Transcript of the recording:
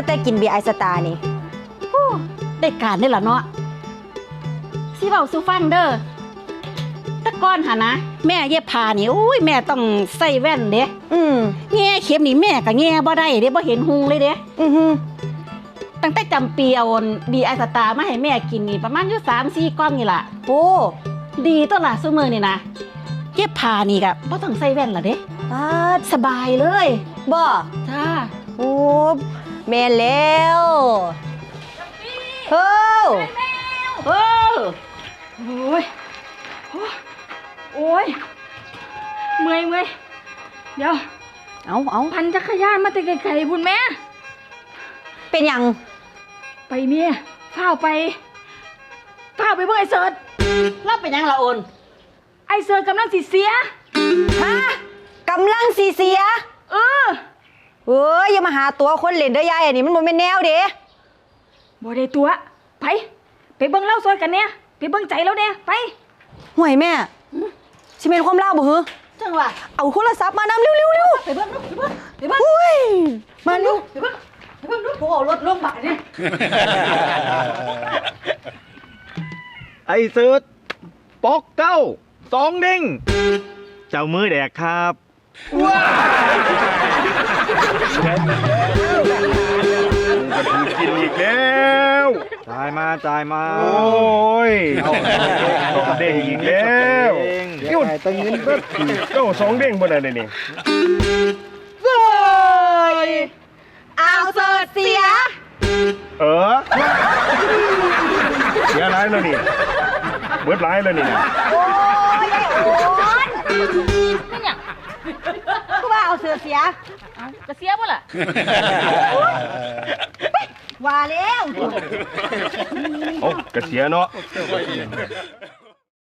แต่กินเบียร์ไอสตาร์นี่ได้การได้ละเนาะสิเว้าสู่ฟังเด้อตะก้อนหานะแม่เย็บผ้านี่อุ้ยแม่ต้องใส่แว่นเด้แง่เข็มนี่แม่ก็แง่บ่ได้เด้บ่เห็นหุงเลยเด้ตั้งแต่จำปีเอาดีไอสตาร์มาให้แม่กินนี่ประมาณอยู่3-4 กล่องนี่ล่ะโอ้ดีตัวล่ะซุมื้อนี่นะเย็บผ้านี่ก็บ่ต้องใส่แว่นล่ะเด้สบายเลยบ่จ้าโอ้แม่แล้วเฮ้อโอ้ยโอ้ยเมื่อยเดี๋ยวเอาพันจักรยานมาแต่ไกลๆพุ่นแม่เป็นยังไปเมียฝ้าวไปเบิ่งไอ้เสิร์ชรับเป็นยังละโอนไอ้เสิร์ชกำลังสิเสียฮะกำลังสิเสียเอย่ามาหาตัวคนเล่นเด้อยายอันนี้มันบ่แม่นแนวเด้บ่ได้ตัวไปเบิ่งเล่าซอยกันเนี่ยไปเบิ่งใจแล้วเนี่ยไปห่วยแม่สิเป็นความเล่าบ่หือจังหวะเอาโทรศัพท์มานำเร็วๆไปเบิ่งอุ้ยมาดูไปเบิ่งดูโอ้รถลงบาดเนี่ยไอ้เสิร์ชปอกเก้า2 เด้งเจ้ามือแดกครับว้ากินอีกแล้วจ่ายมาโอ้ยเด้งอีกแล้วหยุดตั้งเงินก็เก้า2 เด้งบนอะไรนี่เอาเสิร์ชเสียเสียร้ายแล้วนี่เบิดร้ายแล้วนี่นะโอ้ยไอ้โอนนี่เนี่ยก็ว่าเอาเสิร์ชเสียก็เสียบ่ล่ะว่าแล้วโอ้กระเสียเนาะ